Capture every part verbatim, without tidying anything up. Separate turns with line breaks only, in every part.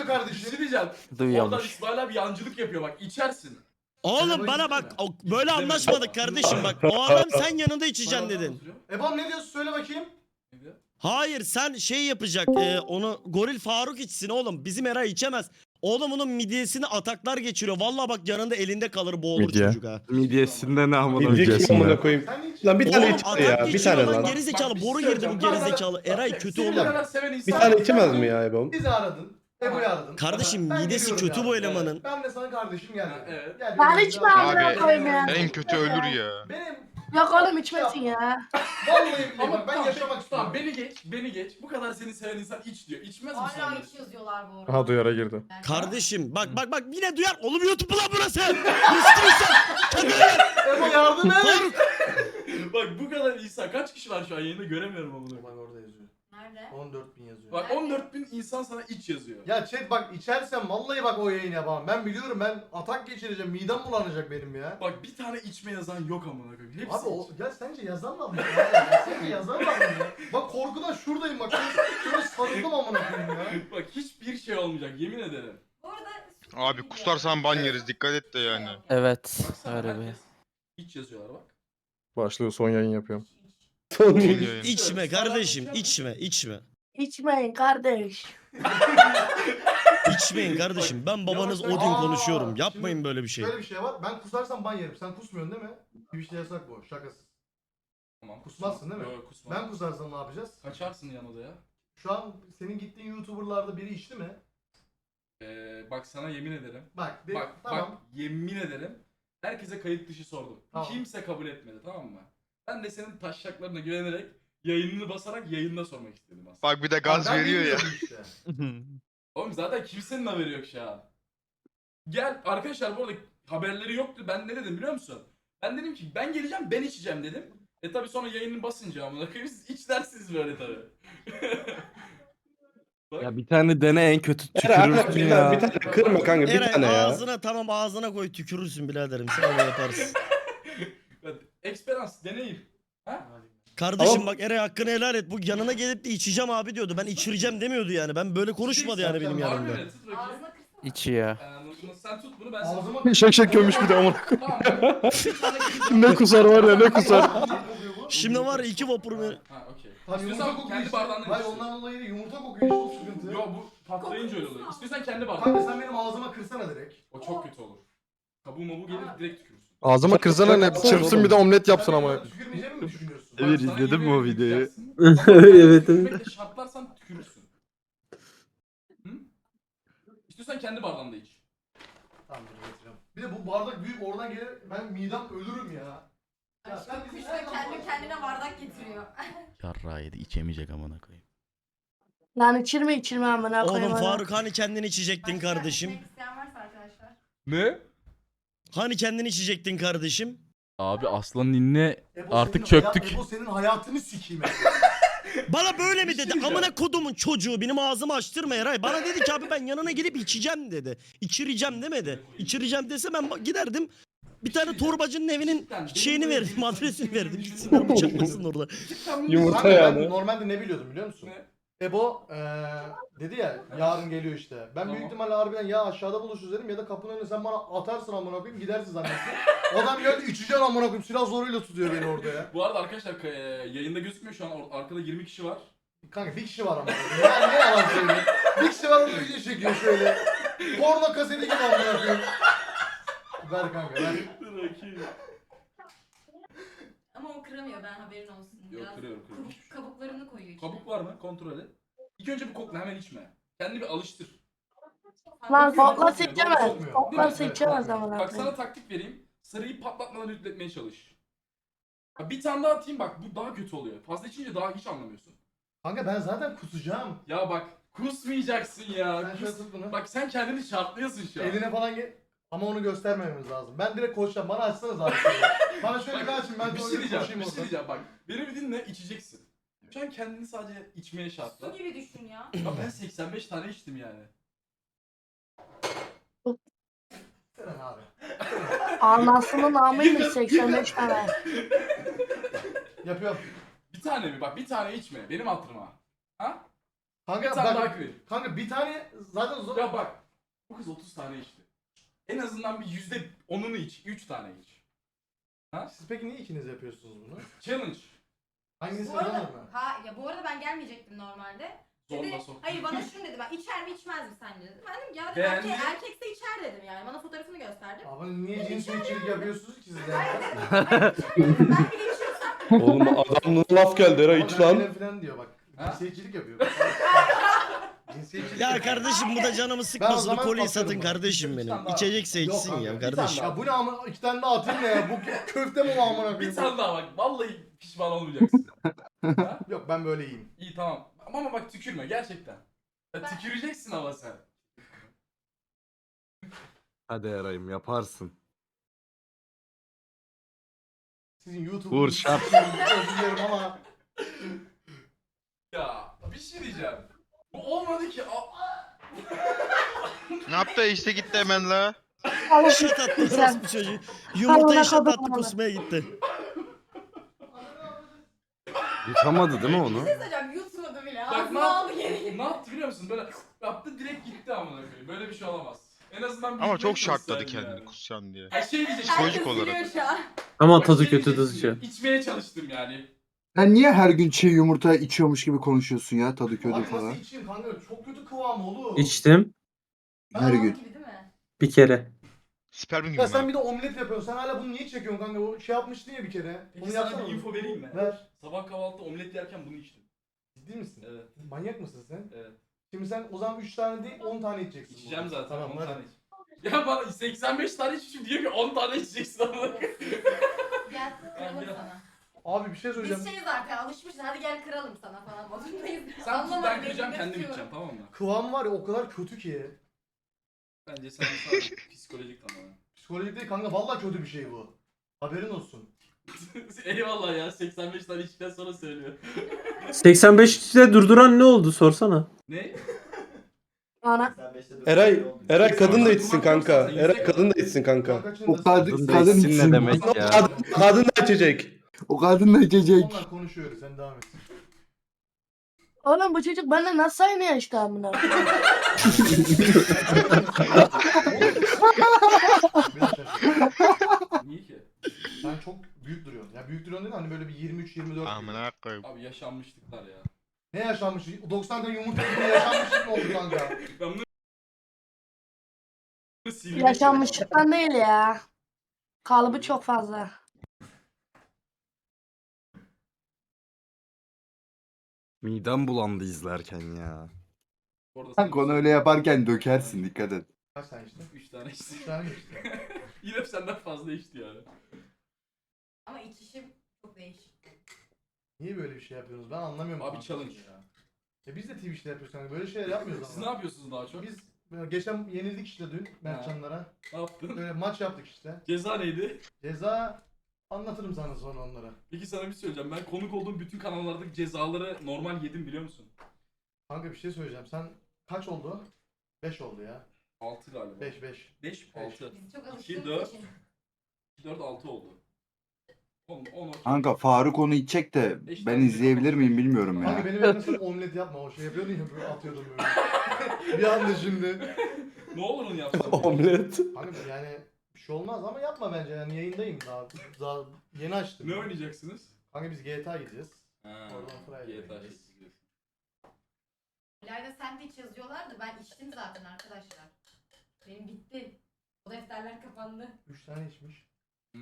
kardeşim.
diyeceğim.
Duyuyormuş.
Oradan İsmail abi yancılık yapıyor bak içersin.
Oğlum bana bak o- böyle anlaşmadık kardeşim bak. O adam sen yanında içeceksin dedin.
Ebam ne diyorsun söyle bakayım.
Hayır sen şey yapacak e, onu Goril Faruk içsin oğlum. Bizim Eray içemez. Oğlum onun midyesini ataklar geçiriyor. Vallahi bak yanında elinde kalır boğulur
Midye.
çocuk ha.
Midyesinde ne amına
Midye kim
midyesinde.
amına koyayım.
Sen hiç...
Lan bir tane
Oğlum
içer
atak
ya. Bir
geçiriyor
tane
lan
lan.
gerizekalı.
Bak, bir
Boru
şey
girdi bu
söyleyeceğim.
gerizekalı. Eray kötü
Senin
oğlum.
kadar seven
Bir
insan
tane
yok.
içemez mi ya Ebom?
Bizi aradın. Ebru'yu aradın.
Kardeşim
Ben
midesi
geliyorum
kötü
ya.
bu elemanın.
Ben de sana kardeşim geldi.
Evet.
Gel,
Ben
benim
hiç
canım.
mi amına koyayım ya?
En kötü ölür ya.
Benim
Yok oğlum içmesin ya.
vallahi billahi
Ama
bak ben
tamam,
yaşamak istiyorum.
Tamam beni geç, beni geç. Bu kadar seni seven insan iç diyor. İçmez mi
Hala
sonra?
iç yazıyorlar bu arada.
Aha duyara girdi.
Yani-
Kardeşim bak bak bak yine duyar. Oğlum YouTube lan burası. Müslüman kendine gel.
Ebo yardım et.
Faruk.
Bak bu kadar insan kaç kişi var şu an yayında göremiyorum ama bunu.
Bak orada yazıyor.
Nerede?
on dört bin yazıyor.
Bak on dört bin insan sana iç yazıyor.
Ya chat bak içersen vallahi bak o yayın yapamam. Ben biliyorum ben atak geçireceğim. Midem bulanacak benim ya.
Bak bir tane içme yazan yok amına koyayım. Hepsi
Abi o,
iç.
ya sence yazan var mı? Ya, sence yazan var mı ya? Bak korkudan şuradayım bak. Şöyle sarıldım amına koyayım ya.
Bak hiçbir şey olmayacak yemin ederim.
Bu arada...
Abi kusarsan ban yeriz dikkat et de yani.
Evet.
Baksana
Öyle bir.
herkes iç yazıyorlar bak.
Başlıyor son yayın yapıyorum.
Son
Son
yayın.
yayın.
İçme kardeşim içme içme.
İçmeyin kardeş.
İçmeyin kardeşim. Ben babanız
Yavaş-
Odin
Aa,
konuşuyorum. Yapmayın
şimdi
böyle bir şey.
Şöyle bir şey var. Ben kusarsam ban yerim. Sen kusmuyorsun değil mi? Twitch'te yasak bu. Şakasız.
Tamam.
Kusmazsın değil mi?
Yok kusmaz.
Ben kusarsam ne yapacağız?
Kaçarsın yan odaya.
Şu an senin gittiğin YouTuber'larda biri içti mi?
Ee, bak sana yemin ederim.
Bak, de,
Bak
tamam.
bak yemin ederim. Herkese kayıt dışı sordum.
Tamam.
Kimse kabul etmedi tamam mı? Ben de senin taşşaklarına güvenerek yayınını basarak yayında sormak istedim aslında.
Bak bir de gaz
Ben
veriyor ya.
bilmiyorum Işte.
Oğlum zaten kimsenin haberi yok şu an. Gel arkadaşlar bu arada haberleri yoktu. Ben ne dedim biliyor musun? Ben dedim ki ben geleceğim ben içeceğim dedim. E tabi sonra yayını basınca amına koyayım siz iç dersiniz böyle tabi.
Ya bir tane dene en kötü
Eray
tükürürsün
bir
ya.
tane, bir tane kırma kanka bir
Eray
tane ya.
ağzına tamam ağzına koy tükürürsün biraderim. Sen öyle yaparsın.
Experience deneyim. Ha?
Kardeşim
Ama-
bak Eray hakkını helal et. Bu yanına gelip de içeceğim abi diyordu. Ben içireceğim demiyordu yani. Ben böyle konuşmadı yani benim
Harbi
yanımda.
mi? Tut bakayım.
Ağzına kırsana.
İçiyor.
Ee, sen tut bunu ben sana.
Ağzıma...
Şak şak gömmüş bir de amına.
Tamam. Bir tane
Ne kusar var ya ne kusar.
Şimdi var ya iki vapur mu?
Ha okey.
Lan yumurta
İstiyorsan
kokuyor
kendi
işte.
bardağından
Hayır
iç.
ondan dolayı değil, yumurta kokuyor işte o sıkıntı.
Yo bu patlayınca öyle oluyor. İstiyorsan kendi
Kanka
bardağın.
sen benim ağzıma kırsana direkt.
O çok kötü olur. Kabuğu mabuğu gelir direkt tükürürsün.
Ağzıma kırsana ne çırpsın bir de omlet yapsın ama.
Sen tükürmeyeceğimi mi düşünüyorsun?
Bak,
Evet,
sana
izledim
yemin
o
ederim
videoyu.
tüküreceksin.
Evet, evet.
Tükürmekle şartlarsan tükürürsün. Hı? İstiyorsan kendi bardağında iç.
Tamam dur getireceğim. Bir de bu bardak büyük oradan gelir ben midem ölürüm ya. Ya sen bizi
Kuşta kendi kendine bardak getiriyor.
Yarrağı yedi içemeyecek amına koyayım.
Lan içirme içirme amına koyayım.
Oğlum
ona.
Faruk hani kendini içecektin
Başka
kardeşim?
içmek isteyen varsa arkadaşlar.
Ne?
Hani kendini içecektin kardeşim?
Abi aslanın inne
Ebo
Artık
senin
çöktük.
Hayat, Ebo senin hayatını sikeyim.
Bana böyle mi
Bir şey
dedi?
diyeceğim.
Amına kodumun çocuğu benim ağzımı açtırma Eray. Bana dedi ki abi ben yanına gelip içeceğim dedi. İçireceğim demedi. İçireceğim dese ben ba- giderdim. Bir tane torbacının evinin şeyini verdim, adresini verdim. Gitsinler bıçaklasın orada.
Yumurta
Kanka ben
yani.
normalde ne biliyordum biliyor musun?
Ne?
Ebo eee dedi ya yarın geliyor işte. Ben
Tamam.
büyük ihtimalle harbiden ya aşağıda buluşuruz dedim ya da kapının önüne sen bana atarsın amına koyayım gidersin zannettim. Adam geldi içeceğim amına koyayım silah zoruyla tutuyor beni orada ya.
Bu arada arkadaşlar ka- e, yayında gözükmüyor şu an or- arkada yirmi kişi var.
Kanka bir kişi var ama. Ya ne yalan söylüyor. Bir kişi var onu video çekiyor şöyle. Porno kaseti gibi amına koyayım. Ver kanka ver.
Ama o kıramıyor ben haberin olsun.
Yok,
Biraz
kırıyorum, kırıyorum.
kabuk- kabuklarını koyuyor içine.
Kabuk var mı? Kontrol et. İlk önce bir kokla hemen içme. Kendini bir alıştır.
Lan
Kokmuyor,
kokla
kokmuyor,
içemez.
kokmuyor.
Kokla
Evet, evet,
içemez
kokmuyor.
amına
Bak
koyayım.
sana taktik vereyim. Sarıyı patlatmadan üretmeye çalış. Ya bir tane daha atayım bak bu daha kötü oluyor. Fazla içince daha hiç anlamıyorsun.
Kanka ben zaten kusacağım.
Ya bak kusmayacaksın ya.
Sen şöyle
Kus-
tut bunu.
Bak sen kendini şartlıyorsun şu an.
Eline falan gel. Ama onu göstermememiz lazım. Ben direkt koşacağım. Bana açsanız abi. şöyle. Bana şöyle bir açın ben
bir
sonra
şey diyeceğim,
koşayım
bir şey
orada.
diyeceğim bak. Beni bir dinle içeceksin. Şu an kendini sadece içmeye şartla.
Su gibi düşün ya.
Ya ben seksen beş tane içtim yani.
Seren abi.
Anasının amıymış seksen beş tane.
Yapıyorum.
Bir tane mi? Bak bir tane içme. Benim hatırıma. Ha? Bir
Kanka
tane daha
bak,
kırayım.
kanka bir tane zaten zor.
Ya bak. Bu kız otuz tane içti. En azından bir yüzde onunu iç. üç tane iç.
Siz peki niye ikiniz yapıyorsunuz bunu?
Challenge.
Hangisi
Bu arada,
kazanır mı?
ha, ya bu arada ben gelmeyecektim normalde. Dedi,
Zorla sok.
hayır bana şunu dedi, ben içer mi içmez mi sence dedi. Ben dedim ya dedim,
Beğendi.
erkek, erkekse içer dedim yani. Bana fotoğrafını gösterdim.
Abi niye cinsiyetçilik yapıyorsunuz ki siz de?
Hayır dedim, ben içer dedim, ben bile içiyorsam.
Oğlum adamın laf geldi Eray iç lan.
Ama falan diyor bak.
Ha?
Cinsiyetçilik yapıyor. Cinsiyetçilik
Ya
yapıyor.
kardeşim bu da canımı
Ben o
sıkmasın.
zaman
Koliyi
atıyorum
satın
bana.
kardeşim
Bir
benim.
tane daha.
İçecekse
Yok
içsin
kanka,
ya
bir
kardeşim.
Ya bu ne ama iki tane daha atayım ne ya? Bu köfte mi bu amına
Bir
koyayım?
tane daha bak. Vallahi pişman olmayacaksın. Ha?
Yok ben böyle iyiyim.
İyi tamam. Ama bak tükürme gerçekten. Ya, tüküreceksin ama sen.
Hadi Eray'ım yaparsın.
Sizin YouTube
Vur şap.
özür dilerim ama
Ya bir şey diyeceğim. Bu olmadı ki. Aa,
Ne yaptı işte gitti hemen la.
Eşit attı orası bu çocuğu. Yumurta eşit attı kusmaya gitti.
Yutamadı değil mi onu?
Bir şey söyleyeceğim, yutmadı bile.
Bak ne,
Ağzına
yap-
aldı geri.
ne yaptı biliyor musun? Böyle yaptı direkt gitti amına koyayım. Böyle bir şey olamaz. En azından bir
Ama
gitmek
çok şartladı
gösterdi
kendini
yani.
kusacaksın diye.
Ha şey diyeceksin.
Psikolojik
Herkes
olarak.
biliyor şu an.
Ama
Bak
tadı
şey
kötü
diyeceksin,
tadı şey.
İçmeye çalıştım yani.
Sen niye her gün çiğ yumurta içiyormuş gibi konuşuyorsun ya tadı kötü
abi
falan?
nasıl içeyim kanka çok kötü kıvam oğlum.
İçtim
Her
Yalan
gün.
gibi değil mi?
bir kere.
Spermin gibi
Ya sen
mi?
bir de omlet yapıyorsun. Sen hala bunu niye çekiyorsun kanka? O şey yapmıştın ya bir kere.
Peki
Bunu
sana
yapsana.
bir info vereyim mi?
Ver.
Sabah kahvaltıda omlet yerken bunu içtim.
Ciddi misin?
Evet.
Manyak mısın sen?
Evet.
Şimdi sen o zaman üç tane değil on tane içeceksin.
İçeceğim
bunu.
zaten.
Tamam
on
hadi.
tane iç. Ya bana seksen beş tane içmişim diyor ki on tane içeceksin ama.
Gel kıralım
gel.
sana.
Abi bir şey söyleyeceğim.
Biz şey zaten alışmışız, hadi gel kıralım sana falan modundayız.
Sen tut
Anlamadım,
ben kıracağım
elinde
kendim
tutuyorum.
içeceğim tamam mı?
Kıvam var ya o kadar kötü ki.
Bence sen sadece psikolojik tamamen.
Psikolojik değil kanka vallahi kötü bir şey bu. Haberin olsun.
Eyvallah ya seksen beş tane içtikten sonra söylüyor.
seksen beşte durduran ne oldu sorsana.
Ne?
Ana.
Eray, Eray kadın da içsin kanka. Eray kadın da içsin kanka.
Kaçında-
O kadın,
Kadın da
kadın
içsin
içsin.
ne demek ya?
Kadın, kadın da içecek.
O kadın da içecek.
Onlar konuşuyoruz sen devam et.
Oğlum bu çocuk benimle nasıl aynı yaşta amına?
Bir dakika.
Niye ki?
Sen çok büyük duruyorsun. Ya büyük duruyorsun değil mi? Hani böyle bir yirmi üç yirmi dört.
Amına koyayım.
Abi yaşanmışlıklar ya.
Ne yaşanmış? doksan tane yumurta gibi yaşanmışlık mı oldu kanka?
Ben bunu silmek
Yaşanmışlıktan değil ya. Kalıbı çok fazla.
Midem bulandı izlerken ya.
Orada
Kanka onu öyle yaparken dökersin dikkat et.
Kaç tane işte?
üç tane içti.
üç tane mi işte?
Yine senden fazla içti yani.
Ama içişim çok değişik.
Niye böyle bir şey yapıyorsunuz? Ben anlamıyorum.
Abi
kanka
challenge.
ya. Ya biz de Twitch'te yapıyoruz kanka. Böyle şeyler yapmıyoruz
Siz
ama.
ne yapıyorsunuz daha çok?
Biz böyle geçen yenildik işte dün Mertcanlara.
Ne yaptın?
Böyle maç yaptık işte.
Ceza neydi?
Ceza anlatırım sana sonra onlara.
Peki sana bir şey söyleyeceğim. Ben konuk olduğum bütün kanallardaki cezaları normal yedim biliyor musun?
Kanka bir şey söyleyeceğim. Sen kaç oldu? beş oldu ya.
altı galiba.
beş beş.
beş, altı.
Biz çok
iki,
alıştığımız
dört,
için.
iki, dört, altı oldu. on, on,
Kanka Faruk onu içecek de
Beş
ben
tane
izleyebilir miyim bilmiyorum
Kanka
ya.
benim evimde sen omlet yapma. O şey yapıyordun ya böyle atıyordun böyle. Bir anda şimdi.
Ne olur onu yapsam?
Omlet.
Kanka yani bir şey olmaz ama yapma bence yani yayındayım daha. Daha yeni açtım.
Ne oynayacaksınız?
Kanka biz G T A gideceğiz.
Ha,
Oradan Friday
G T A
gideceğiz.
şey izliyorsun.
İlayda sandviç yazıyorlar da ben içtim zaten arkadaşlar. Benim bitti. O defterler kapandı.
üç tane içmiş.
Hı.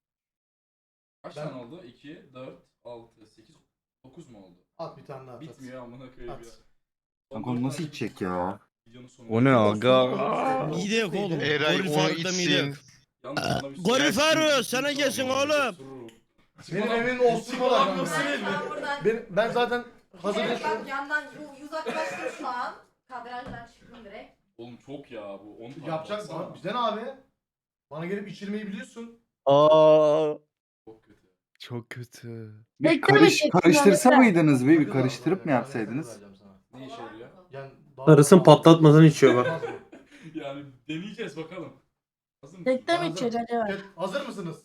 Kaç
Ben-
tane oldu? iki, dört, altı, sekiz, dokuz mu oldu?
At bir tane daha at.
Bitmiyor amına koyayım
At.
ya.
Kanka onu nasıl içecek ya?
Videonun sonu.
O ne aga?
Mide yok oğlum.
Eray
Goril
onu
Faruk'ta mide yok.
içsin.
Yalnız sana bir şey
Goril
söyleyeyim.
Faruk sana gelsin oğlum.
Benim evimin osurma da kanka.
Çikolata
Ben, ben buradan...
Ben, ben zaten hazır
Evet, bak
yaşıyorum.
yandan yu- uzaklaştım şu an. Kadrajdan çıktım direkt.
Oğlum çok ya bu on tane
Yapacak
baksana.
bana. Bizden abi. Bana gelip içirmeyi biliyorsun.
Aa.
Çok kötü.
Çok kötü.
Bir
Bekle mi
karış,
çeksin
karıştırsa
abi?
mıydınız bir, bir
Sakız
karıştırıp
abi,
mı
yani,
yapsaydınız?
sakız vereceğim sana.
Ne işe yarıyor?
Yani daha-
Karısını patlatmadan içiyor bak.
Olmaz mı?
Yani deneyeceğiz bakalım. Hazır mısın?
Tekte mi
Hazır.
içecek acaba?
Evet, hazır mısınız?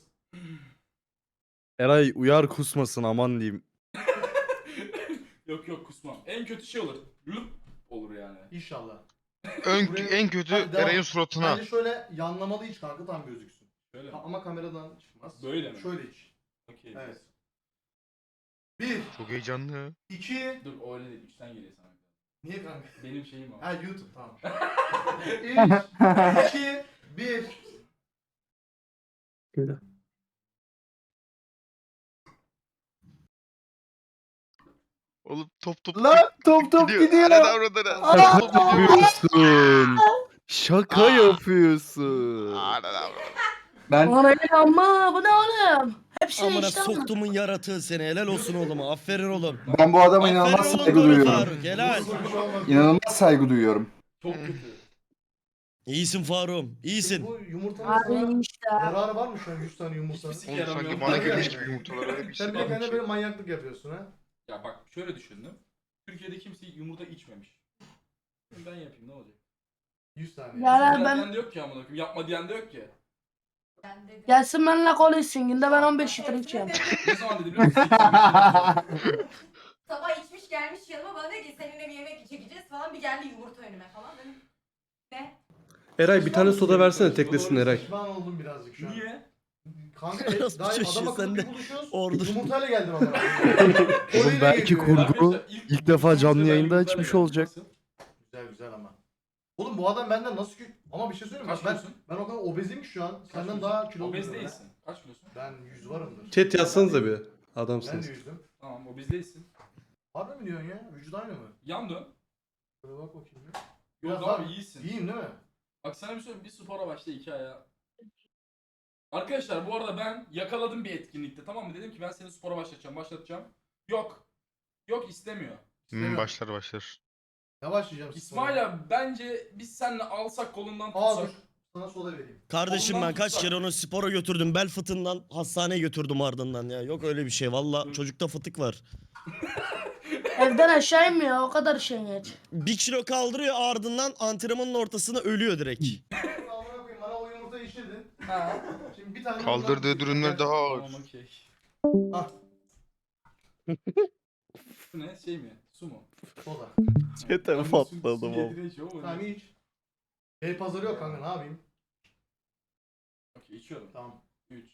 Eray uyar kusmasın aman diyeyim.
Yok yok kusmam. En kötü şey olur. Lup olur yani.
İnşallah.
Ön,
Buraya-
en kötü
Hadi devam.
Eray'ın suratına.
Bence şöyle yanlamalı iç kanka tam gözüksün.
Şöyle mi?
Ha, ama kameradan çıkmaz.
Böyle mi?
Şöyle iç.
Okey.
Evet. Bir,
Çok heyecanlı.
iki,
Dur o öyle değil. Üçten geliyor sana.
niye kanka?
Benim şeyim o.
Ha YouTube tamam. üç, iki, bir.
Oğlum top top
Lan top top gidiyor.
Ana avradına.
Aa!
Top top gidiyor.
Yapıyorsun. Şaka
Aa.
yapıyorsun.
Ana avradına.
Ben
Ulan öyle ama bu ne oğlum? Hepsi
Amına
işte ama.
soktumun yaratığı seni. Helal olsun oğlum. Aferin oğlum.
ben bu adama
Aferin
inanılmaz
oğlum
saygı
Goril
duyuyorum.
Faruk. Helal.
Bir şey olmaz.
İnanılmaz saygı duyuyorum.
Çok kötü.
İyisin Faruk'um. İyisin.
Bu yumurtanın
Abi
sana
işte.
yararı var mı şu an yüz tane yumurtanın?
Hiçbir sik
Oğlum sanki
yaramıyor.
bana gelmiş gibi yumurtalar öyle bir
Sen
şey
bir de kendine böyle
varmış.
manyaklık yapıyorsun ha.
Ya bak şöyle düşündüm. Türkiye'de kimse yumurta içmemiş. Ben yapayım ne olacak?
yüz tane.
Ya lan
Sigara
ben
diyen de yok ki amına koyayım. Yapma diyen de yok ki.
Ben dedim.
gelsin benimle konuşsun. Günde ben on beş litre içiyorum.
Ne zaman dedi biliyor musun? İçmemiş.
Sabah içmiş gelmiş yanıma bana dedi ki seninle bir yemek çekeceğiz falan, bir geldi yumurta önüme falan dedim. Ne?
Eray bir tane soda versene teklesin Eray.
Pişman oldum birazcık şu an.
Niye?
Kanka
Orası
daha
bir şey,
adam akıllı
sen
bir
de
buluşuyoruz.
ordu.
Yumurtayla geldim ama.
Oğlum belki kurgu
Arkadaşlar,
ilk defa
yumurta
canlı
ben
yayında
yumurtayla
açmış
geldim.
olacak.
Nasıl?
Güzel güzel ama. Oğlum bu adam benden nasıl kü... Ama bir şey söyleyeyim mi?
Kaç
Bak ben,
kilosun?
ben o kadar obezim ki şu an.
Kaç
Senden
kilosun?
daha kilolu
Obez
duruyorum
değilsin. Kaç kilosun?
ha. Ben yüz varımdır.
Chat yazsanıza bir.
Ben de
Adamsınız.
yüzdüm.
Tamam obez değilsin.
Harbi mi diyorsun ya? Vücut aynı mı?
Yan dön.
Şöyle bak bakayım bir.
Yok
Biraz
abi
daha-
iyisin.
İyiyim değil mi?
Bak sana bir söyleyeyim, bir spora başla iki ayağa. Arkadaşlar bu arada ben yakaladım bir etkinlikte, tamam mı? Dedim ki ben seni spora başlatacağım, başlatacağım. Yok. Yok istemiyor.
Hmm, başlar başlar.
Ne başlayacağım?
İsmail abi bence biz seninle alsak kolundan
Aa dur.
tutsak.
Sana soda vereyim.
Kardeşim
Ondan
ben kaç
tutsak.
kere onu spora götürdüm. Bel fıtığından hastaneye götürdüm ardından ya. Yok öyle bir şey. Valla
Dur.
çocukta fıtık var.
Evden aşağı inmiyor o kadar şey geç.
Bir kilo kaldırıyor ardından antrenmanın ortasında ölüyor direkt.
Amına koyayım bana o yumurtayı içirdin. Ha. Şimdi bir tane
Kaldırdığı
bundan-
ürünler daha ağır.
Tamam okey.
Ah.
Bu ne şey mi? Su mu?
Soda.
Çete
Abi su-
patladım
su
o.
getiriyor içiyor ama
Tamam
ne?
iç. Bey pazarı yok kanka ne yapayım?
Okey içiyorum.
Tamam.
üç.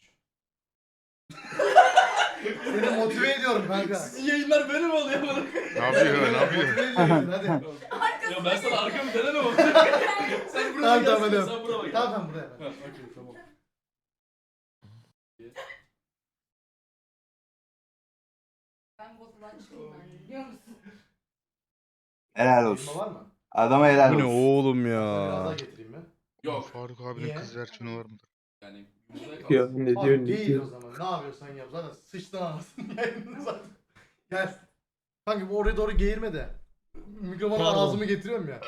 Seni motive ediyorum kanka.
Sizin yayınlar böyle mi oluyor bana?
Ne yapıyor ne yapıyor?
Motive ediyorum hadi.
Ya ben sana arkamı dönemem ama. Sen buraya
Tamam,
gel.
tamam, hadi.
Sen buraya gel.
Tamam tamam buraya.
Ha, okey tamam.
Ben bozulan çıkayım ben, biliyor musun?
Helal
Elma
olsun.
var mı?
Adama helal
Bu ne
olsun.
oğlum
Biraz daha
ya.
getireyim mi?
Yok.
Faruk abinin
Niye?
kız versiyonu var mıdır?
Yani yumurtaya kalsın.
Ya ne
Abi
diyor ne
değil
diyor.
o zaman. Ne yapıyorsan yap. Zaten sıçtın anasını yayını zaten. Gel. Kanka bu oraya doğru geğirme de. Mikrofonu
Pardon.
ağzımı getiriyorum ya.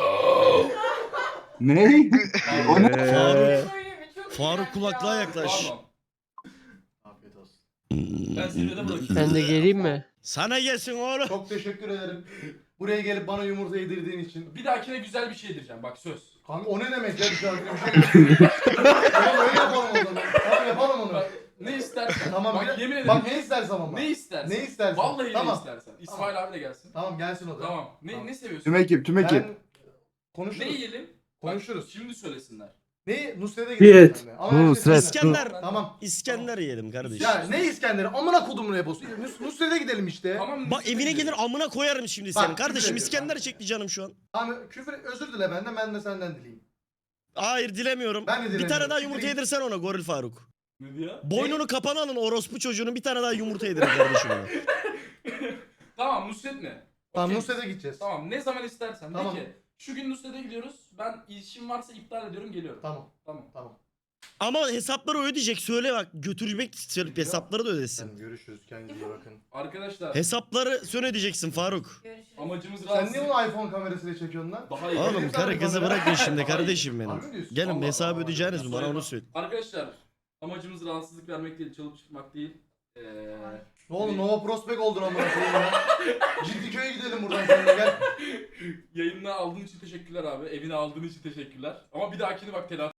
Ne? O ne?
Eee,
Faruk,
Böyle mi? Çok
Faruk
iğrenç
kulaklığa
ya.
yaklaş.
Pardon.
Afiyet olsun.
Ben zirvede bırakayım.
Ben de geleyim mi?
Sana gelsin oğlum.
Çok teşekkür ederim. Buraya gelip bana yumurta yedirdiğin için.
Bir dahakine güzel bir şey yedireceğim bak söz.
Kanka o ne demek ya dışarıda bir şey. Tamam öyle yapalım o zaman. Tamam yapalım onu.
Bak ne istersen.
Tamam
bak
bir-
yemin ederim.
Bak ne istersem ama.
Ne istersen.
Ne istersen.
Vallahi
Tamam.
ne istersen. İsmail abi de gelsin.
Tamam gelsin o da.
Tamam. Ne
Tamam.
ne seviyorsun?
Tüm ekip tüm ekip.
Ben konuşuruz.
Ne yiyelim?
Konuşuruz.
Bak, şimdi söylesinler.
Ne? Nusret'e gidelim.
Diyet.
seninle. Ama her şey
Nusret.
seninle.
İskender.
Tamam.
İskender yiyelim kardeşim.
Ya ne İskender'i? Amına kodumun rebosu. Nus Nusret'e gidelim işte.
Tamam.
Bak evine gelir amına koyarım şimdi
Bak,
senin. Kardeşim
küfür ediyor
İskender
kanka.
çekti canım şu an.
Tamam küfür özür dile benden ben de senden dileyim.
Hayır dilemiyorum.
Ben de
Bir
dilemiyorum.
tane daha yumurta
Siktir git.
yedirsen ona Goril Faruk.
Ne diyor?
Boynunu kapana alın orospu çocuğunun bir tane daha yumurta yedirin kardeşim ona.
Tamam Nusret ne?
Tamam
Okey.
Nusret'e gideceğiz.
Tamam ne zaman istersen.
Tamam.
De ki şu gün Nusret'e gidiyoruz. Ben işim varsa iptal ediyorum geliyorum.
Tamam.
Tamam.
Tamam.
Ama hesapları ödeyecek söyle bak götürecek söyleyip hesapları da ödesin.
Sen görüşürüz kendinize iyi bakın.
Arkadaşlar
Hesapları sen ödeyeceksin Faruk.
Görüşürüz.
amacımız
Sen
rahatsız.
niye onu iPhone kamerasıyla çekiyorsun lan?
Daha iyi.
Oğlum karı kızı bırakın şimdi kardeşim
Harbi mi
benim.
diyorsun?
Gelin
Allah
hesabı
Allah.
ödeyeceğiniz mi bana
Söyle
onu
bak.
söyle.
Arkadaşlar amacımız rahatsızlık vermek değil, çalıp çıkmak değil. Ee,
Ne oğlum Nova Prospect oldun amına koyayım ya. Ciddiköy'e gidelim buradan seninle gel.
yayınına aldığın için teşekkürler abi. Evine aldığın için teşekkürler. Ama bir dahakini bak telafi